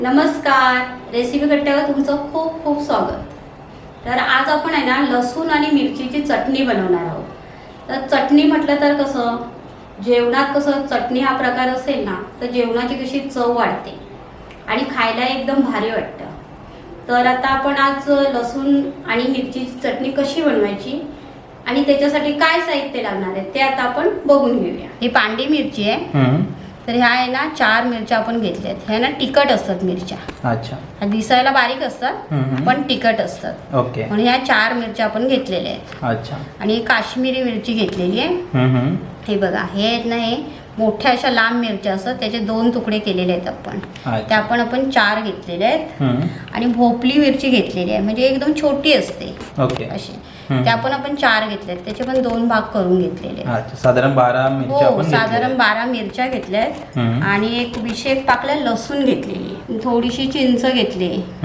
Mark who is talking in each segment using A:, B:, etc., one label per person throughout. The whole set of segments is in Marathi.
A: नमस्कार, रेसिपी कट्ट्यावर तुमचं खूप खूप स्वागत। तर आज आपण आहे ना लसूण आणि मिरचीची चटणी बनवणार आहोत। तर चटणी म्हटलं तर कसं जेवणात कसं चटणी हा प्रकार असेल ना तर जेवणाची कशी चव वाढते आणि खायला एकदम भारी वाटतं। तर आता आपण आज लसूण आणि मिरचीची चटणी कशी बनवायची आणि त्याच्यासाठी काय साहित्य लागणार आहे ते आता आपण बघून घेऊया। ही पांढरी मिरची आहे। तर ह्या आहे ना 4 मिरच्या आपण घेतल्यात। ह्या ना तिखट असतात मिरच्या।
B: अच्छा,
A: ह्या दिसायला बारीक असतात पण तिखट असतात।
B: ओके।
A: म्हणून ह्या 4 मिरच्या आपण घेतलेल्या आहेत।
B: अच्छा,
A: आणि काश्मीरी मिरची घेतलेली आहे। हे बघा, हे आहेत ना हे मोठ्या अशा लांब मिरच्या असतात, त्याचे 2 तुकडे केलेले आहेत आपण। त्या आपण 4 घेतलेले आहेत। आणि भोपली मिरची घेतलेली आहे, म्हणजे एकदम छोटी असते
B: ओके
A: अशी। त्या आपण 4 घेतल्यात, त्याचे पण 2 भाग करून घेतलेले आहेत।
B: अच्छा, साधारण 12 मिरच्या आपण घेतल्या।
A: साधारण 12 मिरच्या घेतल्यात आणि एक विशेष पाकल्या लसूण घेतलेली, थोडीशी चिंच घेतली,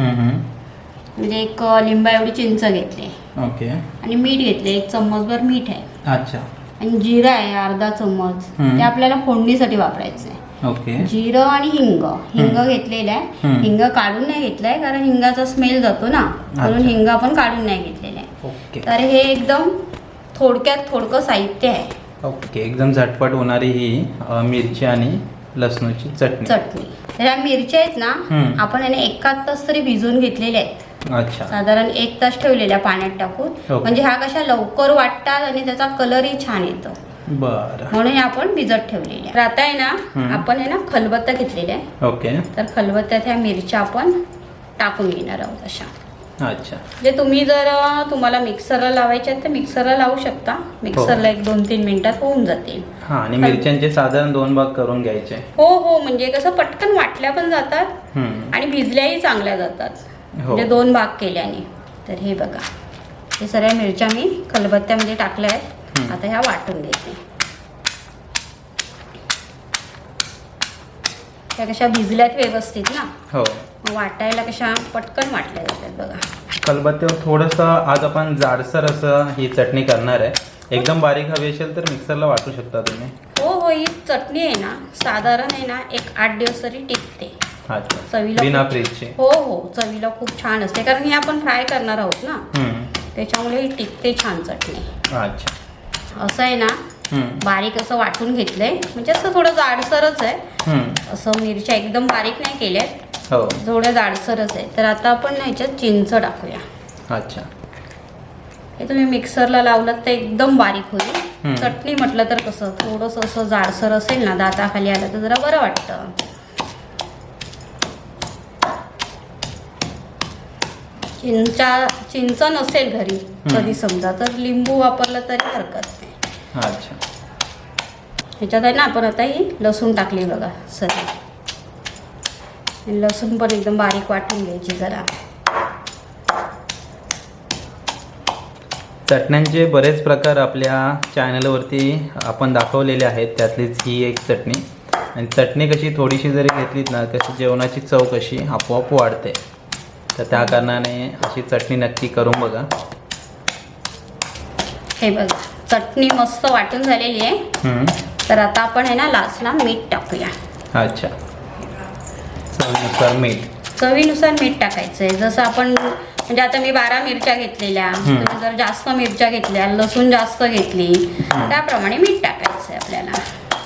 A: म्हणजे एक लिंबा एवढी चिंच घेतली।
B: ओके।
A: आणि मीठ घेतले, 1 चम्मचभर मीठ आहे।
B: अच्छा।
A: आणि जिरा आहे अर्धा चम्मच, ते आपल्याला फोडणीसाठी वापरायचं आहे।
B: ओके।
A: जिरं आणि हिंग घेतलेलं आहे। हिंग काढून नाही घेतलाय कारण हिंगाचा स्मेल जातो ना, म्हणून हिंग आपण काढून नाही घेतलेलं आहे।
B: ओके।
A: तर हे एकदम थोडकं साहित्य आहे।
B: ओके, एकदम झटपट होणारी ही मिरची आणि लसणाची चटणी।
A: तर या मिरच्या आहेत ना आपण याने 1 तास तरी भिजवून घेतलेल्या आहेत।
B: अच्छा,
A: साधारण 1 तास ठेवलेल्या पाण्यात टाकून, म्हणजे ह्या कशा लवकर वाटतात आणि त्याचा कलरही छान येतो।
B: बरं,
A: म्हणून आपण भिजत ठेवलेल्या। तर आता आहे ना आपण आहे ना खलबत्ता घेतलेला आहे।
B: ओके।
A: तर खलबत्त्यात ह्या मिरच्या आपण टाकून घेणार आहोत अशा।
B: अच्छा,
A: म्हणजे तुम्ही जर तुम्हाला मिक्सरला लावायचे तर मिक्सरला लावू शकता। मिक्सरला 1-2-3 मिनिटात होऊन जातील।
B: हा, आणि मिरच्यांचे साधारण 2 भाग करून घ्यायचे।
A: हो, म्हणजे कसं पटकन वाटल्या पण जातात आणि भिजल्याही चांगल्या जातात, म्हणजे 2 भाग केल्याने। तर हे बघा, हे सगळ्या मिरच्या मी खलबत्त्यामध्ये टाकल्या आहेत। आता ह्या वाटून घ्यायचे। त्या कशा भिजल्यात व्यवस्थित ना,
B: हो,
A: वाटायला कशा पटकन वाटल्या जातात बघा।
B: खलबत्त्यावर थोडंसं आज आपण जाडसर असं ही चटणी करणार आहे। एकदम बारीक हवी असेल तर मिक्सरला वाटू शकता तुम्ही।
A: हो, ही चटणी आहे ना साधारण आहे ना 1-8 दिवस तरी टिकते।
B: अच्छा,
A: चवीला
B: बिना फ्रीजची।
A: हो, चवीला खूप छान असते, कारण ही आपण फ्राय करणार आहोत ना, त्याच्यामुळे ही टिकते छान चटणी।
B: अच्छा,
A: असं आहे ना बारीक असं वाटून घेतलंय, म्हणजे असं थोडं जाडसरच आहे। असं मिरच्या एकदम बारीक नाही केल्यात,
B: हो,
A: थोड्या जाडसरच आहे। तर आता आपण ना ह्याच्यात चिंच टाकूया।
B: अच्छा,
A: हे तुम्ही मिक्सरला लावलात तर एकदम बारीक होईल। चटणी म्हटलं तर कसं थोडंसं असं जाडसर असेल ना, दाताखाली आलं तर जरा बरं वाटतं। चिंच नसेल घरी कधी समजा तर लिंबू वापरलं तरी हरकत नाही।
B: अच्छा,
A: ह्याच्यात आहे ना आपण आता ही लसूण टाकली बघा सगळी। लसूण पण एकदम बारीक वाटून घ्यायची जरा।
B: चटण्यांचे बरेच प्रकार आपल्या चॅनलवरती आपण दाखवलेले आहेत, त्यातलीच ही एक चटणी। आणि चटणी कशी थोडीशी जरी घेतलीत ना, कशी जेवणाची चव कशी आपोआप वाढते। तर त्या कारणाने अशी चटणी नक्की करून बघा।
A: हे बघा, चटणी मस्त वाटून झालेली आहे। तर आता आपण आहे ना लास्टला मीठ टाकूया।
B: अच्छा, चवीनुसार मीठ।
A: चवीनुसार मीठ टाकायचं आहे। जसं आपण म्हणजे आता मी 12 मिरच्या घेतलेल्या, तुम्ही जर जास्त मिरच्या घेतल्या, लसूण जास्त घेतली त्याप्रमाणे मीठ टाकायचं आहे आपल्याला।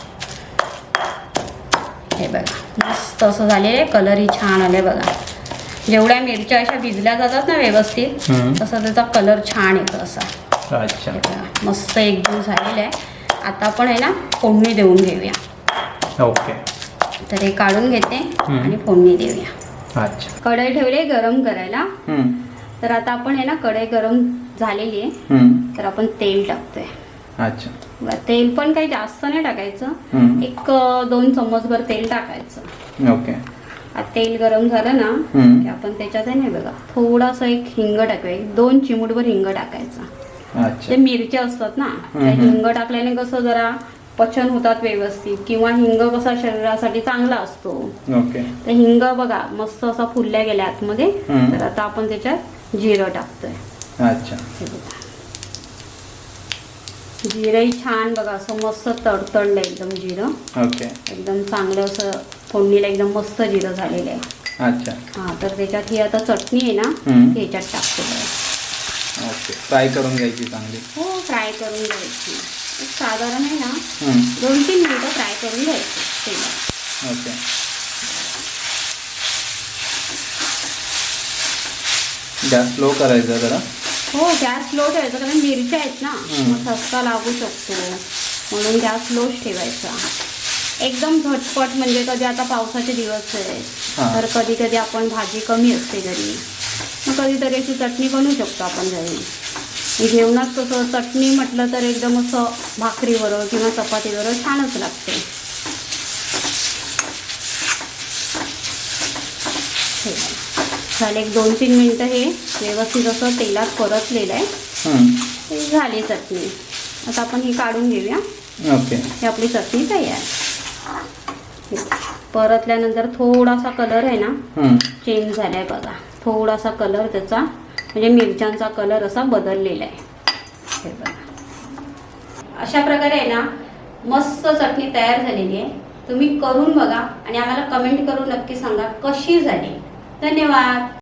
A: हे बघा, मस्त असं झालेलं आहे, कलरही छान आले बघा। जेवढ्या मिरच्या अशा भिजल्या जातात ना व्यवस्थित, तसा त्याचा कलर छान येतो असा।
B: अच्छा,
A: मस्त एकदम झालेलं आहे। आता आपण आहे ना फोडणी देऊन घेऊया।
B: ओके।
A: तर हे काढून घेते आणि फोडणी देऊया।
B: अच्छा,
A: कढई ठेवली गरम करायला। तर आता आपण आहे ना कढई गरम झालेली आहे, तर आपण तेल टाकतोय।
B: अच्छा,
A: तेल पण काही जास्त नाही टाकायचं, 1-2 चम्मचभर तेल टाकायचं।
B: ओके।
A: तेल गरम झालं ना की आपण त्याच्यात आहे ना बघा थोडासा एक हिंग टाकूया, 2 चिमूटभर हिंग टाकायचा।
B: अच्छा,
A: ते मिरच्या असतात ना, हिंग टाकल्याने कसं जरा पचन होतात व्यवस्थित, किंवा हिंग कसा शरीरासाठी चांगला असतो।
B: ओके।
A: तर हिंग बघा मस्त असा फुलल्या गेल्या आतमध्ये। तर आता आपण त्याच्यात जिरं टाकतोय।
B: अच्छा,
A: जिरंही छान बघा असं मस्त तडतडलं एकदम जिरं।
B: ओके।
A: एकदम चांगलं असं फोडणीला एकदम मस्त जिरं झालेलं आहे।
B: अच्छा.
A: हां, तर त्याच्यात ही आता चटणी आहे ना
B: हम्म.
A: ती ह्याच्यात टाकलेलं आहे.
B: ओके. फ्राय करून घ्यायची चांगली.
A: हो, फ्राय करून घ्यायची. एक साधारण आहे ना
B: हम्म.
A: 2-3 मिनिटं फ्राय करून घ्यायची तेलात.
B: ओके. गॅस स्लो करायचा जरा.
A: हो, गॅस स्लो ठेवायचा कारण मिरच्या आहेत ना,
B: हम्म.
A: मग ठसका लागू शकतो, म्हणून गॅस स्लोच ठेवायचा. एकदम झटपट म्हणजे कधी आता पावसाचे दिवस आहेत
B: हां.
A: तर कधी कधी आपण भाजी कमी असते घरी, मग कधीतरी अशी चटणी बनवू शकतो आपण घरी. जेवणात कसं चटणी म्हटलं तर एकदम असं भाकरीवर किंवा चपातीवर छानच लागते. हे बघा. झाले एक 2-3 मिनटं हे व्यवस्थित असं तेलात परतलेलं आहे.
B: हम्म.
A: ही झाली चटणी. आता आपण ही काढून घेऊया.
B: ओके.
A: ही आपली चटणी तयार. परतल्यानंतर थोडासा कलर आहे ना
B: हम्म.
A: चेंज झालाय बघा. थोडासा कलर त्याचा म्हणजे मिरच्यांचा कलर असा बदललेला आहे. हे बघा. अशा प्रकारे आहे ना मस्त चटणी तयार झालेली आहे. तुम्ही करून बघा आणि आम्हाला कमेंट करून नक्की सांगा कशी झाली. धन्यवाद.